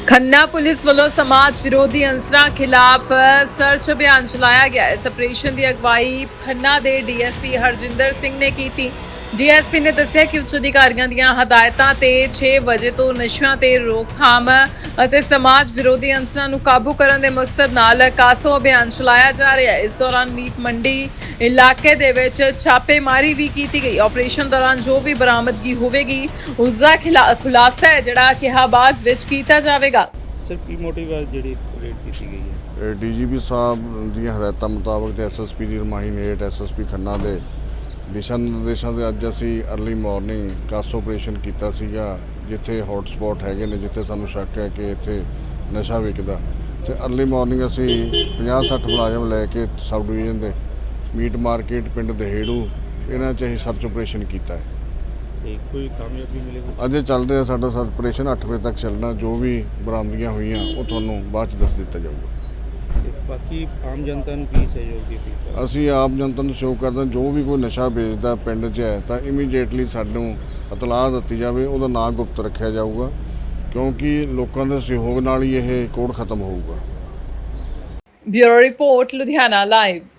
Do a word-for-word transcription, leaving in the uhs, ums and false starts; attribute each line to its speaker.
Speaker 1: Khanna police ਵੱਲੋਂ ਸਮਾਜ ਵਿਰੋਧੀ ਅੰਸਰਾਂ ਖਿਲਾਫ ਸਰਚ ਅਭਿਆਨ ਚਲਾਇਆ ਗਿਆ। ਇਸ ਆਪਰੇਸ਼ਨ ਦੀ ਅਗਵਾਈ ਖੰਨਾ ਦੇ ਡੀਐਸਪੀ ਹਰਜਿੰਦਰ ਸਿੰਘ ਨੇ ਕੀਤੀ। ਡੀਐਸਪੀ ਨੇ ਦੱਸਿਆ ਕਿ ਉੱਚ ਅਧਿਕਾਰੀਆਂ ਦੀਆਂ ਹਦਾਇਤਾਂ ਤੇ ਛੇ ਵਜੇ ਤੋਂ ਨਸ਼ਿਆਂ ਤੇ ਰੋਕਥਾਮ ਅਤੇ ਸਮਾਜ ਵਿਰੋਧੀ ਅੰਸਰਾਂ ਨੂੰ ਕਾਬੂ ਕਰਨ ਦੇ ਮਕਸਦ ਨਾਲ ਕਾਸੋ ਅਭਿਆਨ ਚਲਾਇਆ ਜਾ ਰਿਹਾ ਹੈ। ਇਸ ਦੌਰਾਨ ਮੀਟ ਮੰਡੀ ਇਲਾਕੇ ਦੇ ਵਿੱਚ ਛਾਪੇਮਾਰੀ ਵੀ ਕੀਤੀ ਗਈ। ਆਪਰੇਸ਼ਨ ਦੌਰਾਨ ਜੋ ਵੀ ਬਰਾਮਦਗੀ ਹੋਵੇਗੀ ਉਸ ਦਾ ਖੁਲਾਸਾ ਹੈ ਜਿਹੜਾ ਕਿਹਾ ਬਾਅਦ ਵਿੱਚ ਕੀਤਾ ਜਾਵੇਗਾ।
Speaker 2: ਸਰ ਕੀ ਮੋਟਿਵ ਹੈ ਜਿਹੜੀ ਰੇਡ ਕੀਤੀ ਗਈ ਹੈ?
Speaker 3: ਡੀਜੀਪੀ ਸਾਹਿਬ ਦੀਆਂ ਹਦਾਇਤਾਂ ਮੁਤਾਬਕ ਤੇ ਐਸਐਸਪੀ ਦੀ ਰਮਾਈ ਨੇਟ ਐਸਐਸਪੀ ਖੰਨਾ ਦੇ ਦਿਸ਼ਾ ਨਿਰਦੇਸ਼ਾਂ ਦੇ ਅੱਜ ਅਸੀਂ ਅਰਲੀ ਮਾਰਨਿੰਗ ਕਾਸੋ ਆਪਰੇਸ਼ਨ ਕੀਤਾ ਸੀਗਾ, ਜਿੱਥੇ ਹੌਟ ਸਪੌਟ ਹੈਗੇ ਨੇ, ਜਿੱਥੇ ਸਾਨੂੰ ਸ਼ੱਕ ਹੈ ਕਿ ਇੱਥੇ ਨਸ਼ਾ ਵਿਕਦਾ। ਤੇ ਅਰਲੀ ਮਾਰਨਿੰਗ ਅਸੀਂ ਪੰਜਾਹ ਸੱਠ ਮੁਲਾਜ਼ਮ ਲੈ ਕੇ ਸਬ ਡਿਵੀਜ਼ਨ ਦੇ ਮੀਟ ਮਾਰਕੀਟ ਪਿੰਡ ਦਹੇੜੂ ਇਹਨਾਂ 'ਚ ਅਸੀਂ ਸਰਚ ਆਪਰੇਸ਼ਨ ਕੀਤਾ ਹੈ।
Speaker 2: ਤੇ ਕੋਈ ਕਾਮਯਾਬੀ ਮਿਲੇਗੀ?
Speaker 3: ਅਜੇ ਚੱਲਦੇ ਆ ਸਾਡਾ ਸਰਚ ਆਪਰੇਸ਼ਨ, ਅੱਠ ਵਜੇ ਤੱਕ ਚੱਲਣਾ। ਜੋ ਵੀ ਬਰਾਮਦਗੀਆਂ ਹੋਈਆਂ ਉਹ ਤੁਹਾਨੂੰ ਬਾਅਦ 'ਚ ਦੱਸ ਦਿੱਤਾ ਜਾਊਗਾ।
Speaker 2: ਤੇ ਬਾਕੀ ਆਮ ਜਨਤਾ ਨੂੰ ਕੀ ਸਹਿਯੋਗ ਦੀ ਅਪੀਲ?
Speaker 3: ਅਸੀਂ ਆਪ ਜਨਤਾ ਨੂੰ ਸਹਿਯੋਗ ਕਰਦੇ ਹਾਂ, ਜੋ ਵੀ ਕੋਈ ਨਸ਼ਾ ਵੇਚਦਾ ਪਿੰਡ 'ਚ ਹੈ ਤਾਂ ਇਮੀਡੀਏਟਲੀ ਸਾਨੂੰ ਇਤਲਾਹ ਦਿੱਤੀ ਜਾਵੇ, ਉਹਦਾ ਨਾਂ ਗੁਪਤ ਰੱਖਿਆ ਜਾਊਗਾ, ਕਿਉਂਕਿ ਲੋਕਾਂ ਦੇ ਸਹਿਯੋਗ ਨਾਲ ਹੀ ਇਹ ਕੋਡ ਖਤਮ ਹੋਊਗਾ।
Speaker 1: Bureau report, Ludhiana live.